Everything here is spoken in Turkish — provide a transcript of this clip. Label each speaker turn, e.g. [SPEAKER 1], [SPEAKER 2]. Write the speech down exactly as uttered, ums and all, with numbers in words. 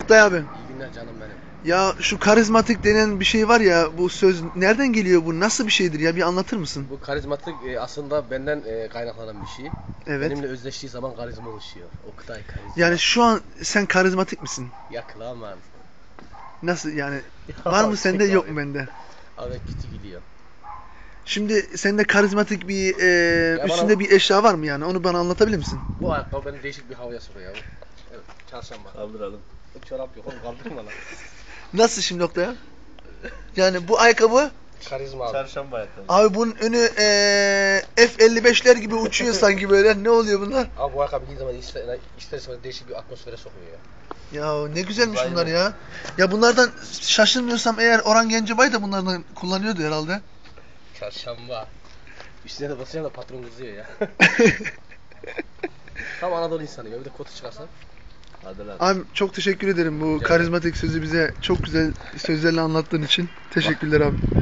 [SPEAKER 1] Oktay abi.
[SPEAKER 2] İyi günler canım benim.
[SPEAKER 1] Ya şu karizmatik denen bir şey var ya, bu söz nereden geliyor, bu nasıl bir şeydir ya, bir anlatır mısın?
[SPEAKER 2] Bu karizmatik e, aslında benden e, kaynaklanan bir şey.
[SPEAKER 1] Evet.
[SPEAKER 2] Benimle özleştiği zaman karizma oluşuyor. Oktay karizma.
[SPEAKER 1] Yani şu an sen karizmatik misin?
[SPEAKER 2] Yakın aman.
[SPEAKER 1] Nasıl yani? Var mı sende, yok mu bende?
[SPEAKER 2] Abi kötü gidiyor.
[SPEAKER 1] Şimdi sende karizmatik bir e,
[SPEAKER 2] Ya
[SPEAKER 1] üstünde
[SPEAKER 2] bana-
[SPEAKER 1] bir eşya var mı yani? Onu bana anlatabilir misin?
[SPEAKER 2] Bu ayakkabı beni değişik bir havaya sokuyor ya. Evet, çarşamba.
[SPEAKER 3] Kaldıralım.
[SPEAKER 2] Çorap yok oğlum, kaldırma lan.
[SPEAKER 1] Nasıl şimdi Oktay abi? Yani bu ayakkabı,
[SPEAKER 2] Karizma abi.
[SPEAKER 3] Çarşamba ayakkabı.
[SPEAKER 1] abi bunun önü e, F elli beşler gibi uçuyor sanki böyle. Ne oluyor bunlar?
[SPEAKER 2] Abi bu ayakkabı giydiği zaman ister, ister istemez değişik bir atmosfere sokuyor ya.
[SPEAKER 1] Ya ne güzelmiş
[SPEAKER 3] Uzaylı.
[SPEAKER 1] bunlar ya. Ya bunlardan şaşırmıyorsam eğer Orhan Gencebay da bunlardan kullanıyordu herhalde.
[SPEAKER 2] Çarşamba. Üstüne de basacağım da patron kızıyor ya. Tam Anadolu insanıyım ya, bir de kotu çıkarsan.
[SPEAKER 3] Hadi lan.
[SPEAKER 1] Abi çok teşekkür ederim bu
[SPEAKER 2] Rica
[SPEAKER 1] karizmatik sözü bize çok güzel sözlerle anlattığın için. Teşekkürler abi.